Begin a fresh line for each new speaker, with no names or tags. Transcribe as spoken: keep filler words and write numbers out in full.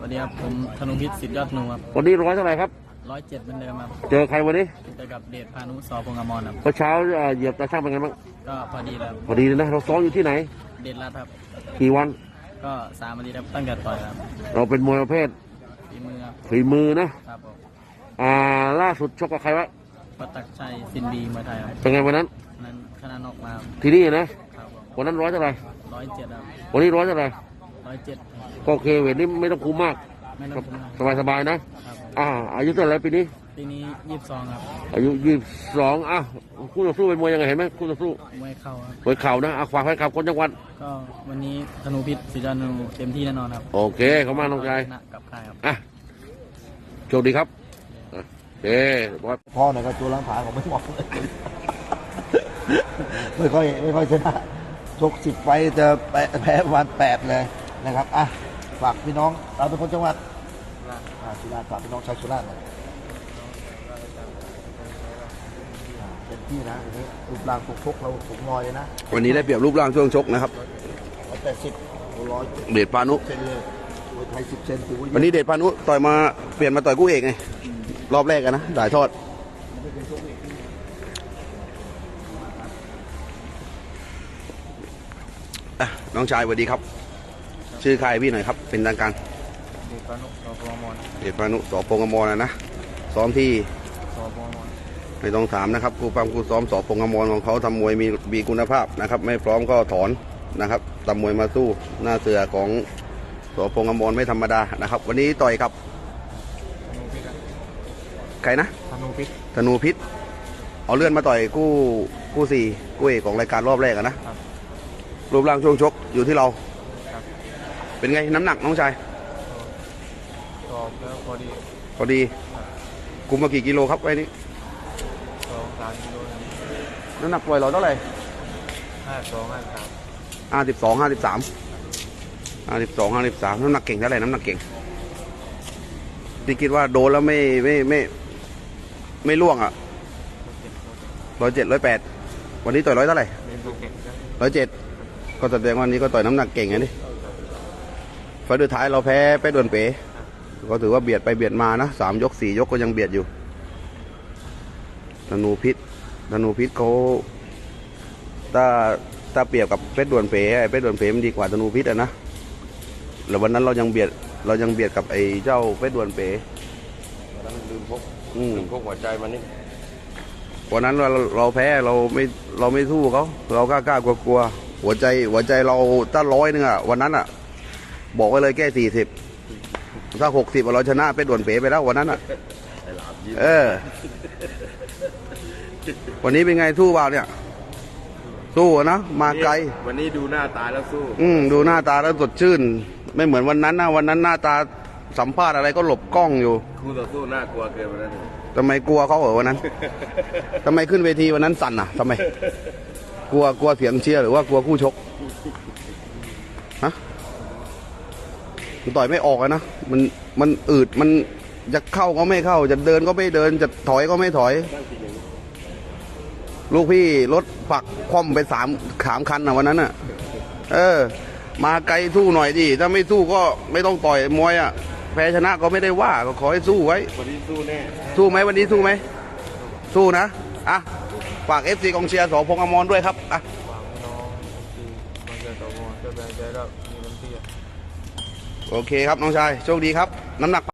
สดีครับผมธนงพิษสิทธิ์ยอดนูครับ
วันนี้ร้อยเท่าไหร่ครับ
ร้อยเจ็ดเหมือนเดิมครับ
เจอใครวันนี้
เจอกับเดชพานุสอพงษ์อมรครับ
เมื่อเช้าเหยียบตาช่างเป็นไงบ้าง
ก็พอดีแล้ว
พอดีเลยนะเราซ้อมอยู่ที่ไหน
เดชรัตน์ครับ
กี่วัน
ก็สามวันดีครับตั้งแต่ต่อยครับ
เราเป็นมวยประเภท
ฝีมือครับ
ฝีมือนะครับผมอ่าล่าสุดชกกับใครวะ
ปัตตักชัยซินดีมวยไทยครับ
เป็นไงวันนั้น
นั้นชนะนอกมา
ที่นี่นะครับวันนั้นร้อยเท่าไหร่
ร้อยเจ็ดครับ
วันนี้ร้อยเท่าไหร่
ร้อยเจ็ด
ก็โอเคเวทนี้ไม่ต้องคุมมากสบายสบายนะอ่าอายุเท่าไหร่ปีนี้
ปีนี้ยี่สิบสองครับ
อายุยี่สิบสองอ่ะคู่ต่อสู้เป็นมวยยังไงเห็นไหมคู่ต่อสู้
มวยเข่าครับ
มวยเข่านะอ่ะฝากให้กับคนจังหวัด
ก็วันนี้ธนูพิษสิทธิ์ยอดนูเต็มที่แน่นอนครับ
โอเคขอบคุณน้องชาย
กับใครครับ
อ่ะโชคดีครับเอ๊ะ
พ่อหน่อยก็ตัวล้างผาของไม่เหมาะเลยไม่ค่อยไม่ค่อยชนะชกสิบไฟจะแพ้วันแปดเลยนะครับอ่ะฝากพี่น้องเราเป็นคนจังหวัดสุราษฎร์ฝากพี่น้องชาวสุราษฎร์หน่อยเป็นที่นะวันนี้รูปร่างชกเราสูงลอยเลยนะ
วันนี้ได้เปรียบรูปร่างช่วงชกนะครับ
ร้อยแปดสิบร้อย
เดชพานุ
เซนเลยมวยไทยสิบเซนถือว่า
วันนี้เดชพานุต่อยมาเปลี่ยนมาต่อยคู่เอกไงรอบแรกกันนะถ่ายทอดน้องชายสวัสดีครับชื่อใครพี่หน่อยครับเป็นทางการ
เดชพานุสอพงษ์อมร
เดชพานุสอพงษ์อมรนะนะซ้อมที่
สอพงษ์อมร
ไม่ต้องถามนะครับครูฟังครูซ้อมสอพงษ์อมรของเขาทำมวยมีมีคุณภาพนะครับไม่พร้อมก็ถอนนะครับทำมวยมาสู้หน้าเสือของสอพงษ์อมรไม่ธรรมดานะครับวันนี้ต่อยกับใครนะ
ธนูพิษ
ธนูพิษเอาเลื่อนมาต่อยคู่คู่สี่คู่เอกของรายการรอบแรกนะรูปร่างช่วงชกอยู่ที่เราเป็นไงน้ำหนักน้องชาย
ตอบแล้วพอดี
พอดีคุมมากี่กิโลครับไว้นี้
สองสามกิโล
น้ำหนักปล่อยเราเท่าไหร่
ห้าสองห้าสาม
ห้าสิบสองห้าสิบสามห้าสิบสองห้าสิบสามน้ำหนักเก่งเท่าไหร่น้ำหนักเก่งที่คิดว่าโดนแล้วไม่ไม่ไม่ไม่ล่วงอ่ะร้อยเจ็ดร้อยแปดวันนี้ต่อยร้อยเท่าไหร่ร้อยเจ็ดก็แสดงวันนี้ก็ต่อยน้ำหนักเก่งไงนี่ไฟล์สุดท้ายเราแพ้ไปโดนเป๋ก็ถือว่าเบียดไปเบียดมานะสามยกสี่ยกก็ยังเบียดอยู่ธนูพิษธนูพิษเขาถ้าถ้าเปรียบกับเพชรด่วนเป๋ไอ้เพชรด่วนเป๋มันดีกว่าธนูพิษอะนะแล้ววันนั้นเรายังเบียดเรายังเบียดกับไอ้เจ้าเพชรด่วนเป๋
วันนั้นลืมพก
ลื
มพกหัวใจมันนี่
วันนั้นเราเราแพ้เราไม่เราไม่สู้เขาเรากล้ากล้ากลัวกลัวหัวใจหัวใจเราถ้าร้อยนึงอะวันนั้นอะบอกไว้เลยแค่สี่สิบถ้าหกสิบเราชนะไปด่วนเป๋ไปแล้ววันนั้นอ่ะเออวันนี้เป็นไงสู้เปล่าเนี่ยสู้นะมาไกล
วันนี้ดูหน้าตาแล้วสู้
อืมดูหน้าตาแล้วสดชื่นไม่เหมือนวันนั้นนะวันนั้นหน้าตาสัมภาษณ์อะไรก็หลบกล้องอยู่
คู่ต่อสู้น่ากลัวเกินวันนั้น
ทำไมกลัวเขาเหรอวันนั้นทำไมขึ้นเวทีวันนั้นสั่นอ่ะทำไมกลัวกลัวเสียงเชียร์หรือว่ากลัวคู่ชกฮะต่อยไม่ออกนะมันมันอืดมันจะเข้าก็ไม่เข้าจะเดินก็ไม่เดินจะถอยก็ไม่ถอยลูกพี่รถผักคว่ำไปสามขามคันอ่ะวันนั้นอ่ะเออมาไกลสู้หน่อยดิถ้าไม่สู้ก็ไม่ต้องต่อยมวยอ่ะแพ้ชนะก็ไม่ได้ว่าก็ขอให้สู้ไว้
วันนี้สู้แน่
สู้ไหมวันนี้สู้ไหมสู้นะอ่ะฝากเอฟซีกองเชียร์สอพงษ์อมรด้วยครับอ่ะโอเคครับน้องชายโชคดีครับน้ำหนัก